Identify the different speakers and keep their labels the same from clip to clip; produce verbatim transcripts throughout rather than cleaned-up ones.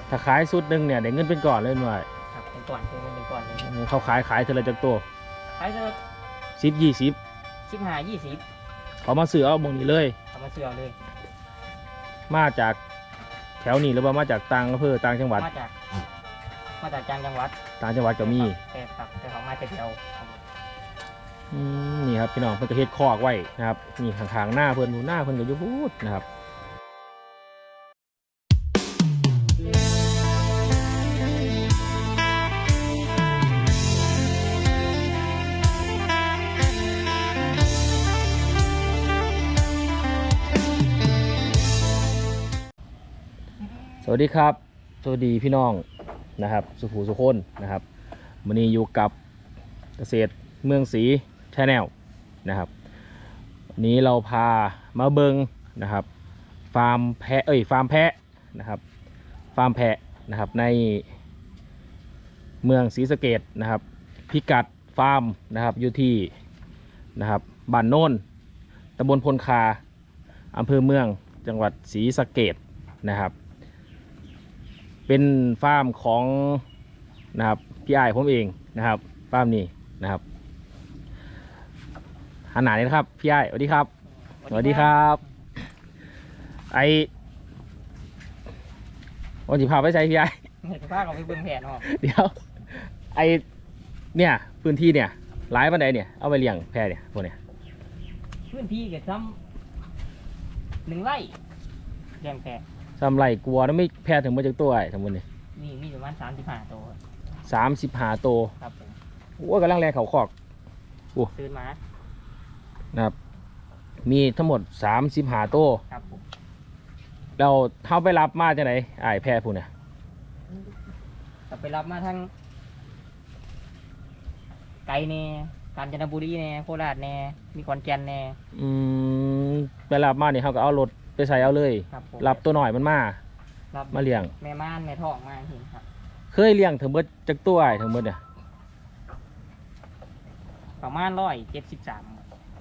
Speaker 1: ถ้าขายสุดหนึ่งเนี่ยได้เงินเป็นก่อนเลยหน่อย
Speaker 2: ครับเป็นก่อนคือมันเป็นก่อนเลย
Speaker 1: เขาขายขายเท่าไรจากตัว
Speaker 2: ขายเท่า
Speaker 1: สิบยี่สิบ
Speaker 2: สิบห้ายี่สิบ
Speaker 1: เขามาซื้อเอาบงนี้เลย
Speaker 2: เขามาซื้อเอาเลย
Speaker 1: มาจากแถวนี้หรือว่ามาจากต่างอำเภอต่างจังหวัด
Speaker 2: มาจากมาจากจังหวัด
Speaker 1: ต่างจังหวัดก็มี
Speaker 2: แต่ครับแต่เขามาจากเดียว
Speaker 1: นี่ครับพี่น้องเพิ่นก็เฮ็ดคอกไว้นะครับนี่ข้างๆหน้าเพิ่นหน้าเพิ่นก็อยู่พูดนะครับสวัสดีครับสวัสดีพี่น้องนะครับสุภูสุคนนะครับวันนี้อยู่กับเกษตรเมืองศรีชาแนลนะครับวันนี้เราพามาเบิงนะครับฟาร์มแพะเอ้ยฟาร์มแพะนะครับฟาร์มแพะนะครับในเมืองศรีสะเกษนะครับพิกัดฟาร์มนะครับอยู่ที่นะครับบ้านโน่นตำบลพลคาอำเภอเมืองจังหวัดศรีสะเกษนะครับเป็นฟาร์มของนะครับพี่อ้ายผมเองนะครับฟาร์มนี้นะครับหันหน้าเลยนะครับพี่อ้ายสวัสดีครับสวัสดีครับไอวันที่พาไปใช้พี่อ้าย
Speaker 2: พาเขาไปเบิ่งแผนออก
Speaker 1: เดี๋ยวไอเนี่ยพื้นที่เนี่ยหลายปันใดเนี่ยเอาไปเลี้ยงแพะเนี่ยพวกเนี่ย
Speaker 2: พื้นที่เกิดซ้ำหนึ่งไร่เลี้ยงแพะ
Speaker 1: ทำไรกลัวแล้วไม่แพะถึงมาจากตัวไอ้ทั้งหมดนี่
Speaker 2: นี่มีประมาณสามสิบห้าตัว
Speaker 1: สามสิบห้าตัว
Speaker 2: ครับผม
Speaker 1: โอ้กำลังแรงเขาคอกโอ้
Speaker 2: ตื่นมา
Speaker 1: นะครับมีทั้งหมดสามสิบห้าตัว
Speaker 2: ครับผม
Speaker 1: เราเท้าไปรับมาจากไหนไอ้แพะผู้เนี่ย
Speaker 2: เราไปรับมาทั้งไก่เน่กาญจนบุรีเน่โคราชเน่มีขอนแก่นเน่
Speaker 1: อืมไปรับมาเนี่ยเขาก็เอารถไปใส่เอาเลยรับตัวหน่อยมันมามาเลี้ยง
Speaker 2: แม่ม่านแม่ท้องมาเห็นครับ
Speaker 1: เคยเลี้ยงถึงเบิดจากตัวไอ้ถึงเบิดเนี่ย
Speaker 2: ประมาณร้อยเจ็ดสิบสาม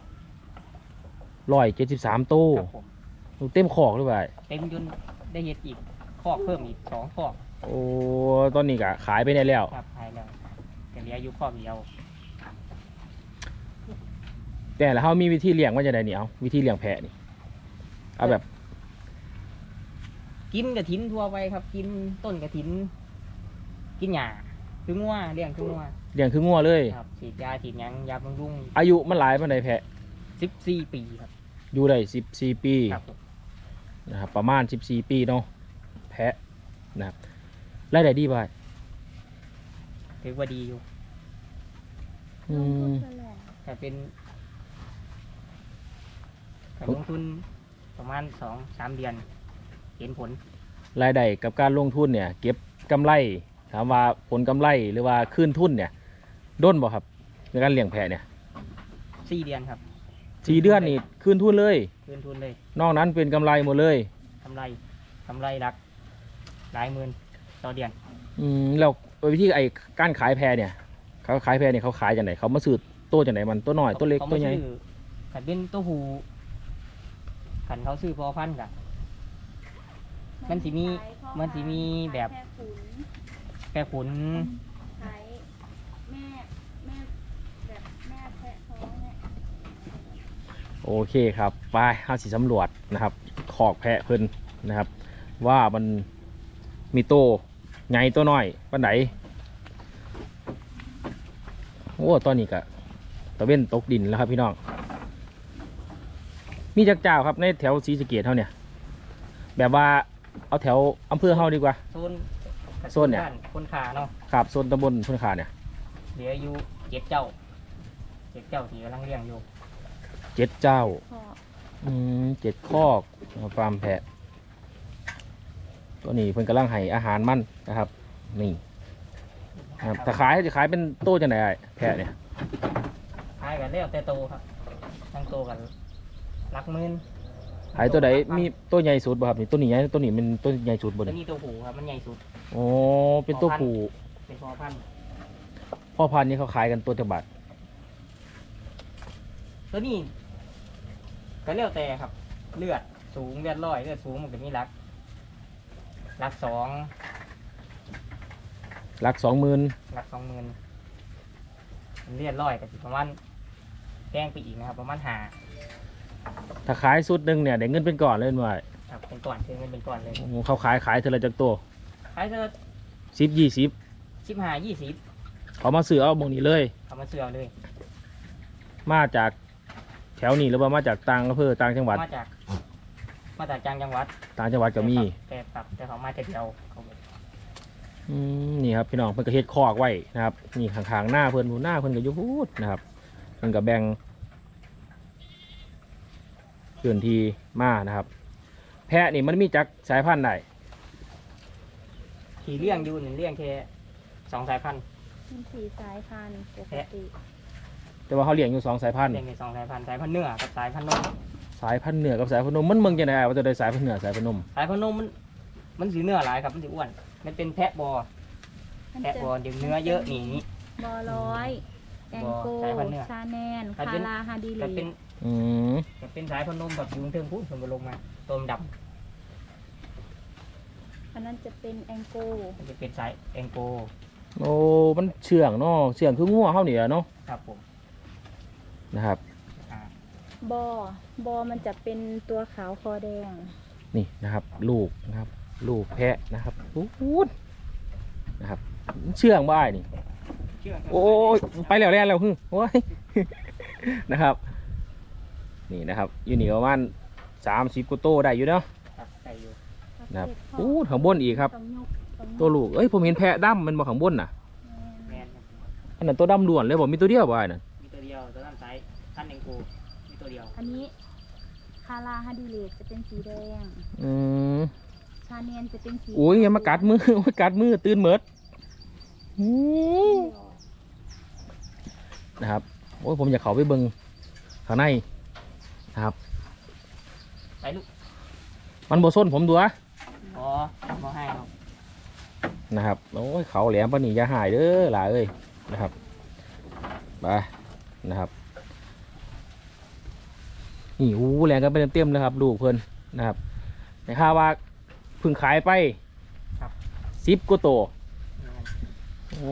Speaker 1: ร้อยเจ็ดสิบสามตู้เต็มขอกหรือเปล่า
Speaker 2: เต็มจนได้เห็ดอีกขอกเพิ่มอีกสองขอก
Speaker 1: โอ้ตอนนี้ก็ขายไปได้แล้ว
Speaker 2: ครับขายแล้วแต่เหลืออยู่ขอกเดียว
Speaker 1: แต่แล้วเขามีวิธีเลี้ยงว่าจะได้เนี่ยเอาวิธีเลี้ยงแพะนี่เอาแบบ
Speaker 2: กินกระถินทั่วไปครับกินต้นกระถินกินหญ้าคืองัวเลี้ยงคืองัว
Speaker 1: เลี้ยงคืองัวเลย
Speaker 2: ครับฉีดยาฉีดยังยาบำรุง
Speaker 1: อายุมันหลายมันไหนแพะ
Speaker 2: สิบสี่ปีครับ
Speaker 1: อยู่ได้สิบสี่ปีนะครับประมาณสิบสี่ปีเนาะแพะนะครับรายได้ดีป่ะ
Speaker 2: ถือว่าดีอยู่
Speaker 1: อืม
Speaker 2: แต่เป็นการลงทุนประมาณสองสามเดือนเห็นผล
Speaker 1: รายได้กับการลงทุนเนี่ยเก็บกำไรถามว่าผลกำไรหรือว่าคืนทุนเนี่ยด้นบ่ครับในการเลี้ยงแพะเนี่ย
Speaker 2: สี่เดือนครับ
Speaker 1: สี่เดือนนี่คืนทุนเลย
Speaker 2: คืนทุนเลย
Speaker 1: นอกนั้นเป็นกำไรหมดเลย
Speaker 2: กำไรกำไรหลักหลายหมื่นต่อเดือน
Speaker 1: อืมแล้ววิธีไอ้การขายแพะเนี่ยเขาขายแพะเนี่ยเขาขายจากไหนเขามาซื้อตัวจากไหนมันตัวน้อยตัวเล็กตัวใหญ่
Speaker 2: ขันเป็นตัวหูขันเขาซื้อพอพันกันมันสิมีมันสิมีแบบแพะขุน
Speaker 3: ขายแม่แม่แบบแม่แพะท้องเนี่ย
Speaker 1: โอเคครับไปห้าสีสำรวจนะครับขอกแพะเพิ่นนะครับว่ามันมีโตใหญ่ตัวน้อยปันไหนโอ้ตอนนี้กะตะเว้นตกดินแล้วครับพี่น้องมีจักเจ้าครับในแถวศรีสะเกษเท่าเนี่ยแบบว่าเอาแถวอำเภอเฮาดีกว่า
Speaker 2: โซน
Speaker 1: โซนเนี่ย
Speaker 2: คนขาเนาะ
Speaker 1: ครับโซนตำบลพลขาเนี่ย
Speaker 2: เหลืออยู่เจ็ดเจ้าเจ็ดเจ้าที่กำลังเลี้ยงอยู่
Speaker 1: เจ็ดเจ้าอืมเจ็ดคอกฟาร์มแพะตัวนี้เพิ่นกำลังให้อาหารมันนะครับนี่ครับถ้าขายจะขายเป็นโตจะไหนแพะเนี่ย
Speaker 2: ขายกันแล้วแต่โตครับทั้งโตกันหลักหมื่น
Speaker 1: ขายตัวไหนมีตัวใหญ่สุดบ่ครับนี่ตัวนี้ใหญ่ตัวนี้เป็นตัวใหญ่สุดบ่
Speaker 2: ตัว
Speaker 1: เนี่ย
Speaker 2: นี้ตัวผูครับมันใหญ่สุด
Speaker 1: โอ้เป็นตัวผู
Speaker 2: เป็นพ่อพันธุ์
Speaker 1: พ่อพันธุ์นี่เขาขายกันตัวจะบาท
Speaker 2: ตัวนี้ก็แล้วแต่ครับเลือดสูงเลือดร้อยเลือดสูงมันจะมีรักรักสอง
Speaker 1: หลักสองหมื่น
Speaker 2: หลักสองหมื่นเรียดร้อยกับสิประมาณแกล้งไปอีกนะครับประมาณหา
Speaker 1: ถ้าขายสุดหนึ่งเนี่ยได้เงินเป็นก่อนเลยมั้ย
Speaker 2: ครับเป็นก่อนคือเงินเป็นก่อนเลย
Speaker 1: เขาขายขายเท่าไรจากตัว
Speaker 2: ขายเธอ
Speaker 1: สิบยี่สิบ
Speaker 2: สิบห้ายี่สิบ
Speaker 1: เขามาซื้อเอาบงนี้เลย
Speaker 2: เอามาเสือเลย
Speaker 1: มาจากแถวนี้หรือว่ามาจากต่างอำเภอต่างจังหวัด
Speaker 2: มาจากมาจากจังหวัด
Speaker 1: ต่างจังหวัดก็มี
Speaker 2: แต่ปรับแต่เขามาแต่เดียวเขา
Speaker 1: อืมนี่ครับพี่น้องเพิ่นก็เฮ็ดคอกไว้นะครับนี่ข้างๆหน้าเพิ่นหน้าเพิ่นก็อยู่พูดนะครับเพิ่นก็แบ่งพื้นที่มานะครับ แพะนี่มันมีจักสายพันธุ์ใด
Speaker 2: ขี่เลี้ยงอยู่หนึ่งเลี้ยงแค่สองสายพันธุ์
Speaker 3: มีสี่สายพันธุ์ปกติ
Speaker 1: แต่ว่าเขาเลี้ยงอยู่สองสายพันธุ์
Speaker 2: เลี้ยงแค่สองสายพันธุ์สายพันธุ์เนื้อกับสายพันธุ์นม
Speaker 1: สายพันธุ์เหนือกับสายพันธุ์นมมันเมืองจังได๋ว่าจะได้สายพันธุ์เหนือสายพันธุ์นม
Speaker 2: สายพันธุ์นมมันมันสีเนื้อหลายครับมันสีอ้วนมันเป็นแพะบอ
Speaker 3: มัน
Speaker 2: แพะ
Speaker 3: จะ
Speaker 2: บอเดี๋ยวเนื้อเยอะหนี
Speaker 3: บอร้อยแองโก
Speaker 2: สายพันธุ์เนื้อ
Speaker 3: ชาแนน
Speaker 2: มัน
Speaker 3: คา
Speaker 2: เป็น
Speaker 3: ราฮาดิเล
Speaker 2: มันเป็น
Speaker 1: อืม
Speaker 2: มันเป็นสายพันธุ์นมแบบยุงเทิงพูดมันลงมาตัวมันด
Speaker 3: อันนั้นจะเป็นแองโก
Speaker 2: ำมันจะเป็นสายแองโก
Speaker 1: โอ้มันเชื่องเนาะเชื่องคืองัวเฮานี่แหละเนาะ
Speaker 2: ครับผม
Speaker 1: นะครับ
Speaker 2: อ่า
Speaker 3: บอบอมันจะเป็นตัวขาวคอแดง
Speaker 1: นี่นะครับ ลูกนะครับ ลูกแพะนะครับพูดนะครับเชื่องบ่อ้ายนี่
Speaker 2: เชื่อครับ
Speaker 1: โอ้ยไปแล้วแล้วแล้วฮึโอ้ย นะครับ นี่นะครับอยู่นี่ประมาณสามสิบกว่าโตได้อยู่เนาะ
Speaker 2: ครับใส่อยู่
Speaker 1: นะครับโอ้ข้างบนอีกครับ
Speaker 3: ต้องยกต้องยก
Speaker 1: ตัวลูกเอ้ยผมเห็นแพะดำมันมาข้างบนน่ะ
Speaker 2: แมนครับ
Speaker 1: อันนั้นตัวดำล้วนเลยบอกมีตัวเดียวบ่ไอ้นั่น
Speaker 2: มีตัวเดียวตัวนั้นสายพันธุ์แองโกมีตัวเดียว
Speaker 3: อันนี้คาราฮาดิเลตจะเป็นสีแดง
Speaker 1: อืม
Speaker 3: ชาเนียนจะเป็นสี
Speaker 1: โอ้ยอย่ามากัดมือ โอ้ยกัดมือตื่นเหมิดอืมนะครับโอ้ยผมอยากเข้าไปเบิ่งข้างในนะครับ
Speaker 2: ไปลูก
Speaker 1: มันบ่ส้นผมตัว
Speaker 2: บอพอให้ครับ
Speaker 1: นะครับโอ้ยเขาแหลมปานนี้อย่าหายเด้อหล่ะเอ้ยนะครับไปนะครับนี่อู้แหลงกันไปเต็มๆเลยครับลูกเพิ่นนะครับในค่าว่าเพิ่งขายไปสิบกว่าตัวโอ้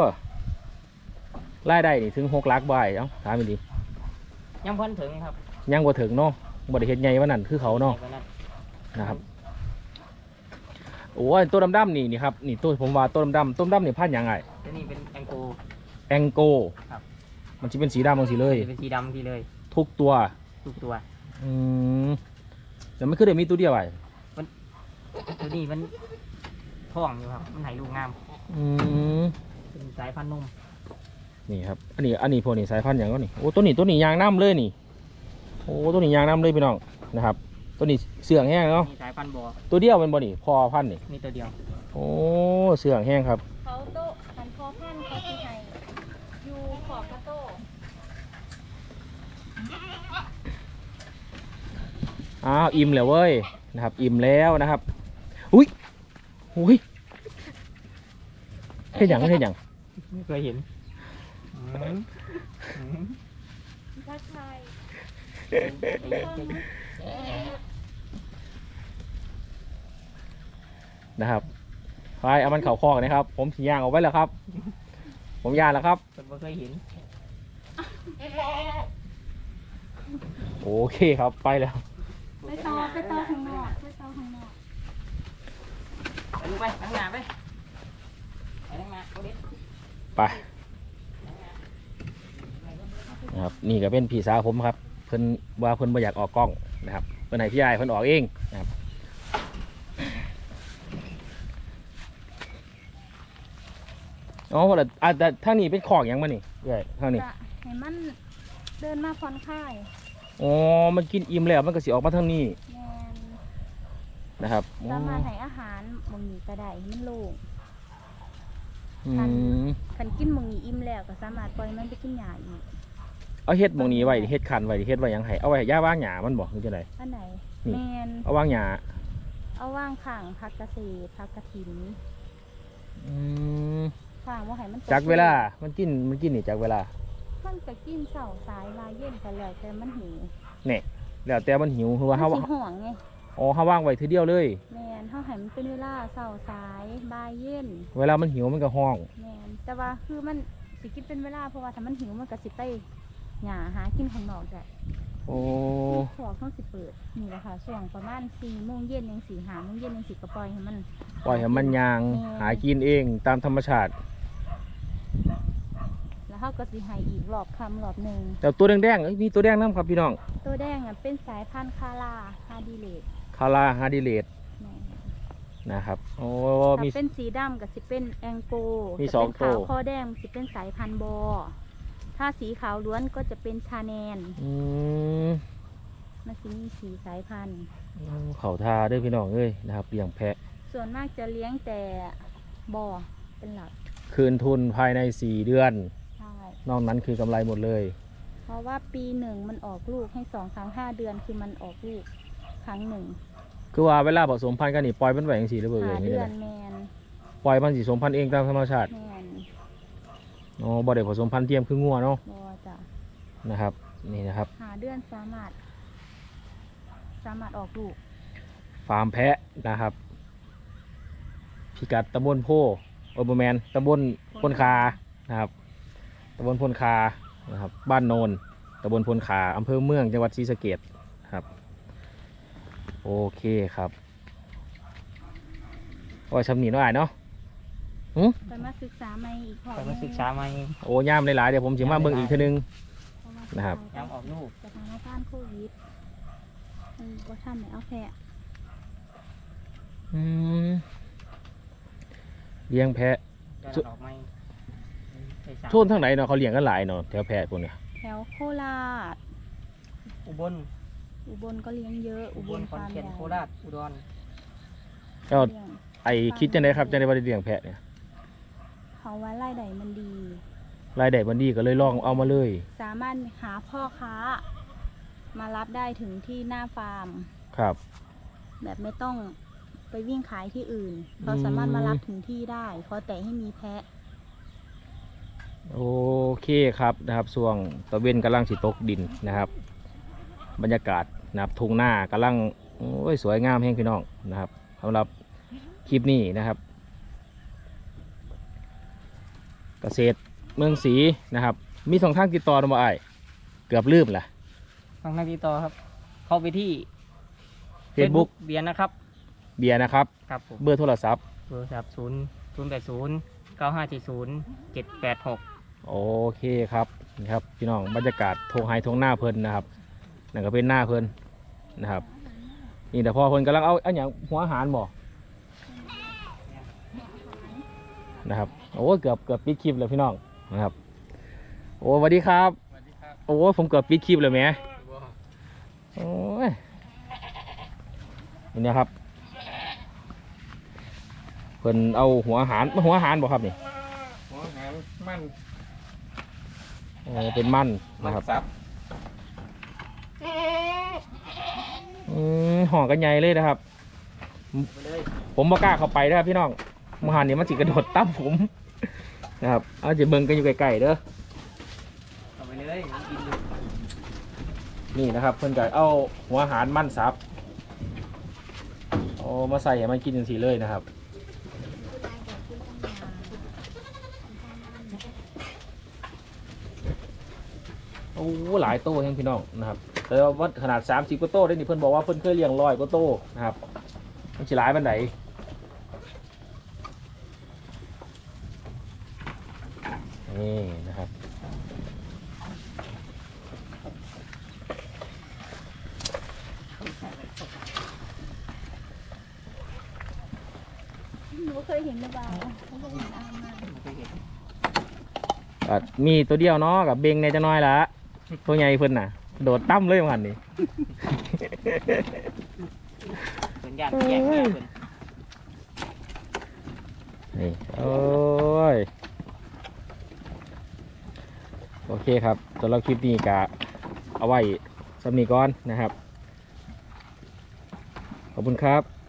Speaker 1: รายได้นี่ถึงหกลักบ่ายเอ้าถามอีกดี
Speaker 2: ยังพ้นถึงครับ
Speaker 1: ยังบ่ถึงเนาะบ่ได้เฮ็ดใหญ่ว่านั่นคือเขาเนาะ
Speaker 2: ใหญ่กว่นั้น
Speaker 1: นะครับโอ้ยตัวดำๆนี่นี่ครับนี่ตัวผมว่าตัวดำๆต้นดำนี่พันธุ์หยังไง
Speaker 2: ตัวนี้เป็นแองโก
Speaker 1: แองโก
Speaker 2: ครับ
Speaker 1: มันจะเป็นสีดำบางสีเลย
Speaker 2: จะเป็นสีดำทีเลย
Speaker 1: ทุกตัว
Speaker 2: ทุกตัว
Speaker 1: อืมแต่ไม่คือเดี๋ยวมีตัวเดียวไอ้
Speaker 2: ตัวนี้มันท้องอยู่ครับมันไหลูกงาม
Speaker 1: อืม
Speaker 2: เป็นสายพันธุ์นม
Speaker 1: นี่ครับอันนี้อันนี้พวกนี้สายพันธุ์อย่างก็นี่โอ้ตัวนี้ตัวนี้ยางน้ำเลยนี่โอ้ตัวนี้ยางน้ำเลยพี่น้องนะครับ ตัวนี้เสื่องแห้งเนาะ
Speaker 2: มีสายพันธุ์บอ
Speaker 1: ตัวเดียวเป็นบ่นี่พอพันธุ์นี่
Speaker 2: มีตัวเดียว
Speaker 1: โอ้เสื่องแห้งครับ
Speaker 3: เขาโตะหันคอพันธุ์เขาที่ไหนอยู่ขอบกระโตะ
Speaker 1: อ้าวอิ่มแล้วเว้ยนะครับ อิ่มแล้วนะครับอุ้ยอุ้ยเฮ็ดหยังเฮ็ดหยัง
Speaker 2: ไม่เคยเห็นอืมอืม
Speaker 3: ทักทาย
Speaker 1: นะครับไปเอามันเข่าคอกนะครับ ผมสีย่างเอาไว้แล้วครับ ผมย่างแล้วครับ
Speaker 2: ผมไม่เคยเห็น
Speaker 1: โอเคครับไปแล้ว
Speaker 3: ไปต่อไปต่อข้างนอกไปต่อข้างนอก
Speaker 2: ไปลูกไปข้างหน้าไปไปข้างหน้าเอาดิ
Speaker 1: ไปนะครับนี่ก็เป็นพี่สาวผมครับ เพิ่นว่าเพิ่นไม่อยากออกกล้องนะครับเพิ่นให้พี่ชายเพิ่นออกเองนะครับอ๋อว่าแต่อ่ะแต่ทางนี้เป็นของหยังมานี่ใช่ทางนี้
Speaker 3: จะให้มันเดินมาผ่อนคลาย
Speaker 1: อ๋อมันกินอิ่มแล้วมันก็สิออกมาทางนี้
Speaker 3: แมน
Speaker 1: นะครับอ๋อ
Speaker 3: สามารถให้อาหารหมองนี้ก็ได้ให้มันโล่ง
Speaker 1: อืม
Speaker 3: คันกินหมองนี้อิ่มแล้วก็สามารถปล่อยมันไปกินหญ้าอีก
Speaker 1: เอาเฮ็ดหมองนี้ไว้เฮ็ดคันไว้เฮ็ดไว้หยังไงเอาไว้ให้ย่าว่างหญ้ามันบอกคือจังได
Speaker 3: อันไหน
Speaker 1: นี่
Speaker 3: แมน
Speaker 1: เอาว่างหญ้า
Speaker 3: เอาว่างข้างพักเกษตรพักกระถิน
Speaker 1: อืม
Speaker 3: ข้างว่าให้มันต
Speaker 1: จักเวลามันกินมันกินนี่จักเวลา
Speaker 3: มันก็กินเสาสายลายเย็นกันแล้วแต่มันหิว
Speaker 1: เนี่ยแล้วแต่มันหิวคือว่า
Speaker 3: มั
Speaker 1: เฮาน
Speaker 3: สิห่วงไง
Speaker 1: อ๋อเขาว่างไว้ทีเดียวเลย
Speaker 3: แมนเฮาให้มันเป็นเวลาเช้าสายบ่ายเย็น
Speaker 1: เวลามันหิวมันก็ห้อง
Speaker 3: แมนแต่ว่าคือมันสิกินเป็นเวลาเพราะว่าถ้ามันหิวมันก็สิไปหาหากินข้างนอกได้
Speaker 1: โอ้
Speaker 3: ขวเขาสิเปิดนี่แหละค่ะช่วงประมาณสี่โมงเย็นยังสี่หาโมงเย็นยังสิก็ปล่อยให้มัน
Speaker 1: ปล่อยให้มันยางหากินเองตามธรรมชาติ
Speaker 3: แล้วเขาก็สิให้อีกรอบคำรอบหนึ่ง
Speaker 1: แต่ตัวแดงๆเอ้ยมีตัวแดงน้ำครับพี่น้อง
Speaker 3: ตัวแดงอ่ะเป็นสายพันธุ์คาราฮาดิเลต
Speaker 1: คาราฮาดิเลต
Speaker 3: แม่
Speaker 1: นะครับโอ้
Speaker 3: ถ้า
Speaker 1: มี
Speaker 3: เป็นสีดำกับสิเป็นแองโก
Speaker 1: มี
Speaker 3: จะ
Speaker 1: สอง
Speaker 3: เป็นขาว
Speaker 1: ตัว
Speaker 3: ข้อแดงสิเป็นสายพันธุ์บอ ถ้าสีขาวล้วนก็จะเป็นชาแนน
Speaker 1: อืม
Speaker 3: มันสิมีสีสายพันธุ์
Speaker 1: เขาทาเด้วยพี่น้องเอ้ยนะครับเลี้ยงแพะ
Speaker 3: ส่วนมากจะเลี้ยงแต่บอเป็นหลัก
Speaker 1: คืนทุนภายในสี่เดือน
Speaker 3: ใช่
Speaker 1: นอกนั้นคือกำไรหมดเลย
Speaker 3: เพราะว่าปีหนึ่งมันออกลูกให้สองครั้งห้าเดือนคือมันออกลูกครั้งหนึ่ง
Speaker 1: คือว่าเวลาผสมพันธุ์กันนี่ปล่อยมันไว้อย่างสี่หรือเปล่า
Speaker 3: หา
Speaker 1: อย่างนี้
Speaker 3: เดื
Speaker 1: เล
Speaker 3: อย นแมน
Speaker 1: ปล่อยมันสีสมพันธุ์เองตามธรรมชาติ
Speaker 3: แมน
Speaker 1: อ๋อบ่ได้ผสมพันธุ์เทียมคืองัวเนาะ
Speaker 3: บอจ้ะ
Speaker 1: นะครับนี่นะครับ
Speaker 3: หาเดือนสามารถ สามารถออกลูก
Speaker 1: ฟาร์มแพะนะครับพิกัดตำบลโพโอเบอร์แมนตำบลพลคานะครับตำบลพลคานะครับบ้านโนนตำบลพลคาอำเภอเมืองจังหวัดศรีสะเกษครับโอเคครับโอ้ยชำนีน้อยเนาะหืม
Speaker 3: ไปมาศึกษาใหม่อีกพอ
Speaker 2: ไปมาศึกษาใหม่
Speaker 1: โอ้ย่ามหลายๆเดี๋ยวผมจะมาเบิ่งอีกทีนึง
Speaker 3: เพาว่า
Speaker 1: นะครับ
Speaker 2: ย้ำออกลูก
Speaker 3: สถานการณ์โควิดมันก็ทำให้เอาแพะ
Speaker 1: อืมเลี้ยงแพะ
Speaker 2: ย้อนออกใหม่ไปสาม
Speaker 1: โซนทางไหนเนาะเขาเลี้ยงกันหลายเนาะแถวแพะพวกเนี้ย
Speaker 3: แถวโคราช
Speaker 2: อุบล
Speaker 3: อุบลก็เลี้ยงเยอะ อุ
Speaker 2: อุ
Speaker 3: บบ ล
Speaker 2: ล
Speaker 3: ฟา
Speaker 2: ขอน
Speaker 3: ร์ม
Speaker 2: แก่น
Speaker 3: ใหญ่
Speaker 2: โคราชอุดร
Speaker 1: แล้ว
Speaker 3: เลี้ยง
Speaker 1: ไอคิดจังไดครับจังไดว่าได้เลี้ยงแพะเนี่ย
Speaker 3: เขาว่าไล่ใดมันดี
Speaker 1: รายได้บันดีก็เลยลองเอามาเลย
Speaker 3: สามารถหาพ่อค้า มารับได้ถึงที่หน้าฟาร์ม
Speaker 1: ครับ
Speaker 3: แบบไม่ต้องไปวิ่งขายที่อื่นเขาสามารถมารับถึงที่ได้ขอแต่ให้มีแพะ
Speaker 1: โอเคครับนะครับช่วงตะเวนกำลังสิตกดินนะครับ บรรยากาศนะครับทุ่งหน้ากำลังโอ้ยสวยงามแห่งพี่น้องนะครับสำหรับคลิปนี้นะครับ เกษตรเมืองศรีนะครับ มีสองทางติดต่อนะบ่อ้ายเกือบลืมละ
Speaker 2: ทางนักติดต่อครับ เข้าไปที่
Speaker 1: Facebook
Speaker 2: เบียร์นะครับ
Speaker 1: เบียร์นะครับ
Speaker 2: ครับผม
Speaker 1: เบอร์โทรศัพท์
Speaker 2: โทรศัพท์ศูนย์ศูนย์แปดศูนย์เก้าห้าเจ็ดศูนย์เจ็ดแปดหก
Speaker 1: โอเคครับนี่ครับพี่น้องบรรยากาศทงไฮทงหน้าเพลินนะครับนั่นก็เป็นหน้าเพลินนะครับนี่แต่พอเพลินกำลังเอาอันอย่างหัวอาหารบ่นะครับโอ้เกือบเกือบปิดคลิปเลยพี่น้องนะครับโอ้สวัสดีครับโอ้ผมเกือบปิดคลิปเลยแหมโอ้ยนี่นะครับเพิ่นเอาหัวอาหารหัวอาหารบ่ครับนี่
Speaker 4: หัวหางมัน
Speaker 1: โอ้เป็นมัน
Speaker 4: มั
Speaker 1: นะ
Speaker 4: น
Speaker 1: ครับ
Speaker 4: ซับ
Speaker 1: อืมห่อกันใหญ่เลยนะครับ
Speaker 2: ไปเลย
Speaker 1: ผมบ่กล้าเข้าไปนะครับพี่น้องมหันนี่มันจิกระโดดตั้มผมนะครับเอาจะเบิ่งกันอยู่ไกลๆเด้อ
Speaker 2: เข้าไปเลยผมกินอยู่
Speaker 1: นี่นะครับ เพิ่นก็เอาหัวอาหารมันสับเอามาใส่ให้มันกินจังซี่เลยนะครับโอ้หลายโต้แห่งพี่น้องนะครับแต่ว่าขนาดสามสิบกว่าโต้ได้นี่เพิ่นบอกว่าเพิ่นเคยเลี้ยงร้อยกว่าโต้นะครับมันสิหลายปานใดนี่นะครับ
Speaker 3: หนูเคยเห็นหรือเปล่าเขาบอกเห็นอามา
Speaker 2: ไม่เคยเห็น
Speaker 1: ก็มีตัวเดียวเนาะกับเบงในจะน้อยละตัวใหญ่เพิ่นน่ะ โดดตั้มเลยมันนี่
Speaker 2: เป็นญาติแยกแยกเป็น
Speaker 1: นี่โอ้ยโอเคครับสำหรับคลิปนี้กะเอาไว้สำนีก่อนนะครับ ขอบคุณครับ